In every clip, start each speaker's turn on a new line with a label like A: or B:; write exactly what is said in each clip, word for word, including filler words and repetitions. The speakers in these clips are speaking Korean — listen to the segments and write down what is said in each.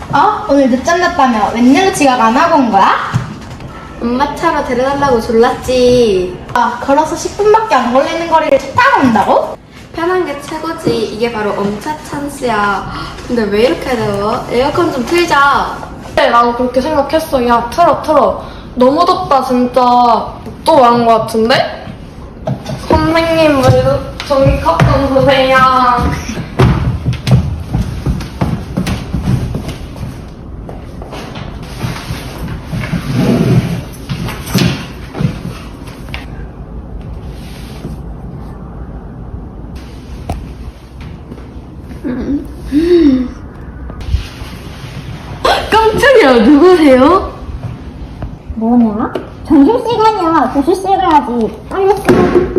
A: 어? 오늘 늦잠 잤다며 웬일로 지각 안 하고 온 거야?
B: 엄마 차로 데려달라고 졸랐지.
A: 아, 걸어서 십 분밖에 안 걸리는 거리를 차 타고 온다고?
B: 편한 게 최고지. 이게 바로 엄차 찬스야. 근데 왜 이렇게 더워? 에어컨 좀 틀자.
C: 그래, 나도 그렇게 생각했어. 야, 틀어, 틀어. 너무 덥다, 진짜. 또 말한 거 같은데? 선생님, 왜 저기 컵 좀 주세요.
B: 깜짝이야, 누구세요?
D: 뭐냐? 점심시간이야. 교실실 가야지. 빨리 써.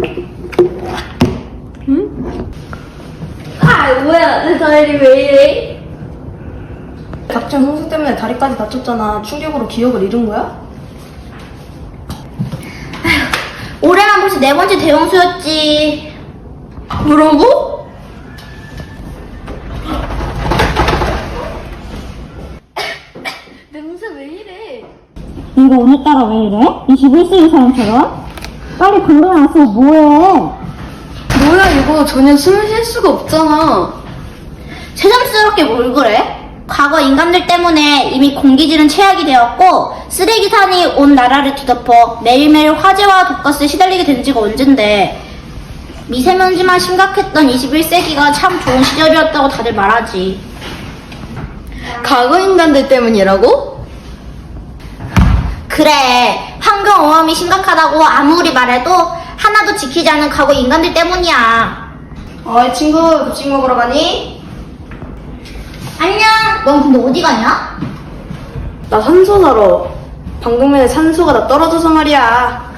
B: 아, 뭐야, 내 다리 왜 이래?
C: 닥친 홍수 때문에 다리까지 다쳤잖아. 충격으로 기억을 잃은 거야?
D: 올해만 벌써 네 번째 대형수였지.
B: 뭐라고? 냄새 왜 이래?
D: 이거 오늘따라 왜 이래? 이십일 세기 사람처럼? 빨리 방금 와서 뭐해?
B: 뭐야, 이거 전혀 숨을 쉴 수가 없잖아.
D: 새삼스럽게 뭘 그래? 과거 인간들 때문에 이미 공기질은 최악이 되었고 쓰레기산이 온 나라를 뒤덮어 매일매일 화재와 독가스에 시달리게 된 지가 언젠데 미세먼지만 심각했던 이십일 세기가 참 좋은 시절이었다고 다들 말하지.
B: 과거 인간들 때문이라고?
D: 그래, 환경오염이 심각하다고 아무리 말해도 하나도 지키지 않은 과거 인간들 때문이야.
C: 어이, 친구, 급식 먹으러 가니?
D: 안녕. 넌 근데 어디 가냐?
C: 나 산소 사러. 방금 전에 산소가 다 떨어져서 말이야.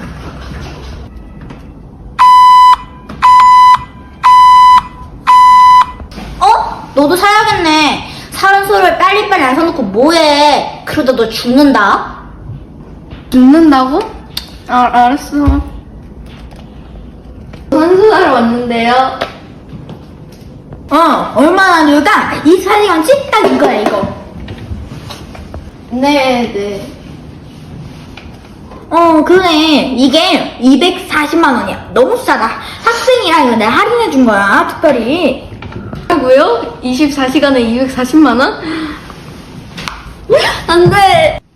D: 어? 너도 사야겠네. 산소를 빨리빨리 안 사놓고 뭐해? 그러다 너 죽는다.
B: 죽는다고? 아, 알았어. 산소사러 왔는데요.
D: 어, 얼마나 누가 이십사 시간치 딱 이거야, 이거.
B: 네, 네.
D: 어, 그래. 이게 이백사십만 원이야. 너무 싸다. 학생이라 이거 내가 할인해준 거야, 특별히.
B: 뭐라고요? 이십사 시간에 이백사십만 원? 안 돼.